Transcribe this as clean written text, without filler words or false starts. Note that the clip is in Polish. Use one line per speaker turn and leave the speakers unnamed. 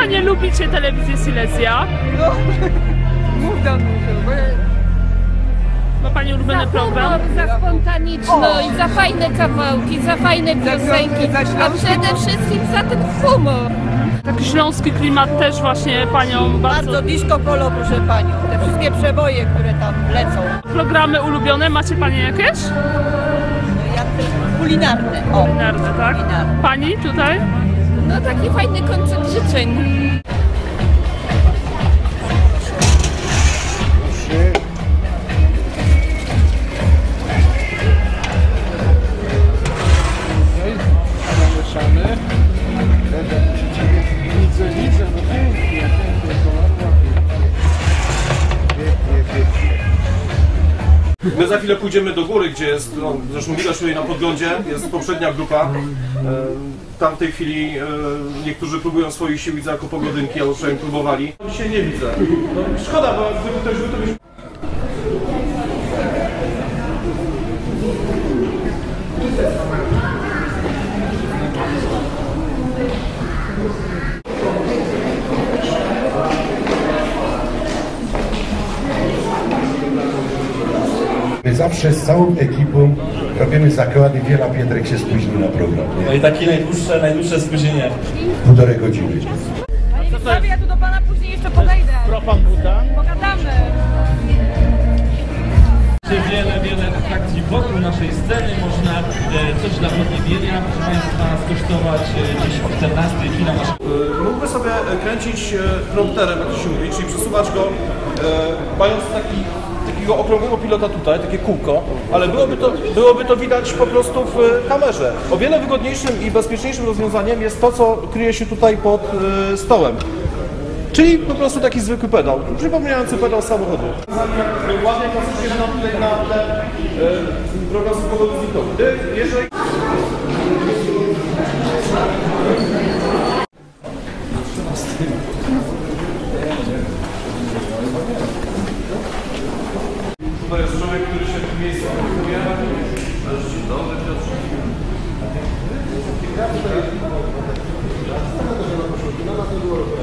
panie lubicie telewizję Silesia?
No, mów do mnie, bo
Ma pani ulubiony program?
Za spontaniczność, za fajne kawałki, za fajne piosenki, a przede wszystkim za ten humor.
Taki śląski klimat też właśnie panią
bardzo disco polo, proszę panią. Te wszystkie przeboje, które tam lecą.
Programy ulubione macie panie jakieś?
Ja też kulinarne. O,
Kulinarne, tak?
kulinarne.
Pani tutaj?
No taki fajny koncert życzeń.
Zamieszamy. Widzę, no pięknie,
My za chwilę pójdziemy do góry, gdzie jest, no, zresztą widać tutaj na podglądzie, jest poprzednia grupa. Tam w tej chwili niektórzy próbują swoich sił, widzę jako pogodynki, albo przynajmniej próbowali. Dzisiaj nie widzę. No, szkoda, bo gdyby ktoś był, to byś...
My zawsze z całą ekipą robimy zakłady, wiele Pietrek się spóźnił na program. Nie?
No i takie najdłuższe spóźnienie.
1,5 godziny.
Panie Witoldzie, ja tu do pana później jeszcze podejdę.
Propan buta.
Pogadamy.
Wiele atrakcji wokół naszej sceny. Można coś dla podniebienia, proszę Państwa, skosztować gdzieś o 14 chwila.
Mógłby sobie kręcić prompterem, jak to się mówi, czyli przesuwać go, mając takiego okrągłego pilota tutaj, takie kółko, ale byłoby to widać po prostu w kamerze. O wiele wygodniejszym i bezpieczniejszym rozwiązaniem jest to, co kryje się tutaj pod stołem. Czyli po prostu taki zwykły pedał, przypominający pedał samochodu. Ładnie klasycznie będą tutaj na tle programu pogodownikowym. Jeżeli... Tutaj jest człowiek, który się w tym miejscu opiekuje. Dzień dobry, Piotrze. Ja tutaj...